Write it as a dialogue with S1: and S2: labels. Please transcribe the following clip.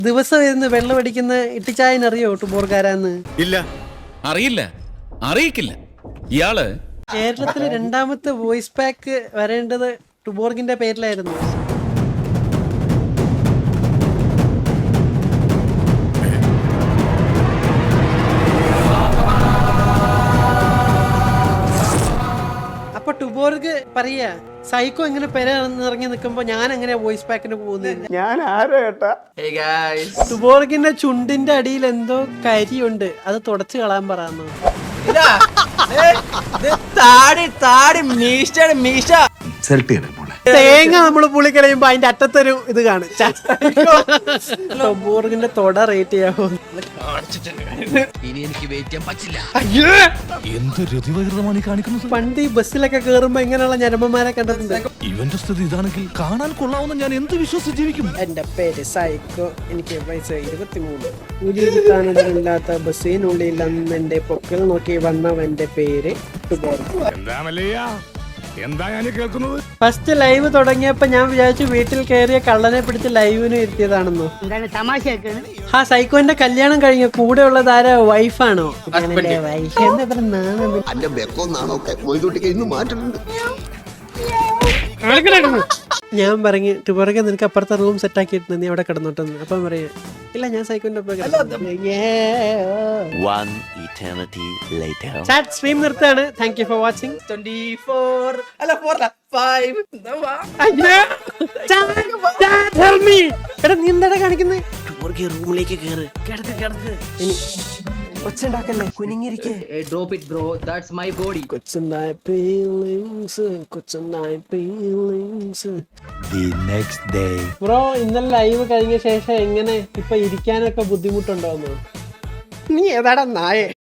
S1: ദിവസം ഇരുന്ന് വെള്ളം അടിക്കുന്ന ഇട്ടിച്ചായനറിയോ ടുബോർക്കാരാന്ന്?
S2: ഇല്ല, അറിയില്ല, അറിയിക്കില്ല. ഇയാള്
S1: കേരളത്തിലെ രണ്ടാമത്തെ വോയിസ് പാക്ക് വരേണ്ടത് ടുബോർഗിന്റെ പേരിലായിരുന്നു. അപ്പൊ ടുബോർഗ് പറയാ സൈക്കോ എങ്ങനെ പെരന്നിറങ്ങി നിൽക്കുമ്പോ ഞാൻ എങ്ങനെ വോയിസ് പാക്കിന് പോകുന്നത്?
S3: ഞാൻ ആരോ ഏട്ടാ.
S1: ടുബോർഗിന്റെ ചുണ്ടിന്റെ അടിയിൽ എന്തോ കരിയുണ്ട്, അത് തുടച്ചു കളയാൻ പറയാന്നു. തേങ്ങ നമ്മള് പുളി കളയുമ്പോ അതിന്റെ അറ്റത്തൊരു ഇത് കാണും. ടുബോർഗിന്റെ തൊട റേറ്റ് ചെയ്യാമോ? പണ്ട് ഈ ബസ്സിലൊക്കെ കേറുമ്പോ ഇങ്ങനെയുള്ള ഞരമ്പന്മാരെ കണ്ടിട്ടുണ്ട്.
S4: ഇവന്റെ സ്ഥിതി ഇതാണെങ്കിൽ കാണാൻ കൊള്ളാവുന്ന ഞാൻ എന്ത് വിശ്വസിച്ച് ജീവിക്കും?
S1: എന്റെ പേര് സൈക്കോ, എനിക്ക് വയസ്സ് 23. കൂലി കിട്ടാനില്ലാത്ത ബസ്സിനുള്ളിൽ അന്ന് എന്റെ പൊക്കൽ നോക്കി വന്നവന്റെ പേര് ഫസ്റ്റ് ലൈവ് തുടങ്ങിയപ്പോ ഞാൻ വിചാരിച്ചു വീട്ടിൽ കയറിയ കള്ളനെ പിടിച്ച് ലൈവിന് ഇരുത്തിയതാണെന്നോ. ആ സൈക്കോന്റെ കല്യാണം കഴിഞ്ഞ കൂടെ ഉള്ളത് ആരാ? വൈഫാണോ? വൈഫ് ഞാൻ പറഞ്ഞു ടുബോർഗ് നിനക്ക് അപ്പുറത്തെ റൂം സെറ്റ് ആക്കിയിട്ട് നീ അവിടെ കിടന്നോട്ടെന്ന്. അപ്പം പറയാ ഇല്ല ഞാൻ സൈക്കോന്റെ സ്ട്രീം നിർത്താണ്. Thank you for watching.
S5: 24 അല്ല 4 5
S1: എടാ നീ എന്താ കാണിക്കുന്നത്?
S5: റൂമിലേക്ക് കേറ്. കിടക്ക് കിടക്ക്.
S1: ഒച്ചുണ്ടാക്കല്ലേ, കുനിങ്ങിരിക്കേ.
S5: Drop it bro, that's my body.
S1: കൊച്ചുണ്ടായ ഫീലിങ്സ്, കൊച്ചുണ്ടായ ഫീലിങ്സ്. ബ്രോ ഇന്നലെ ലൈവ് കഴിഞ്ഞ ശേഷം എങ്ങനെ ഇപ്പൊ ഇരിക്കാനൊക്കെ ബുദ്ധിമുട്ടുണ്ടോന്നോ? നീ ഏതാടാ നായേ?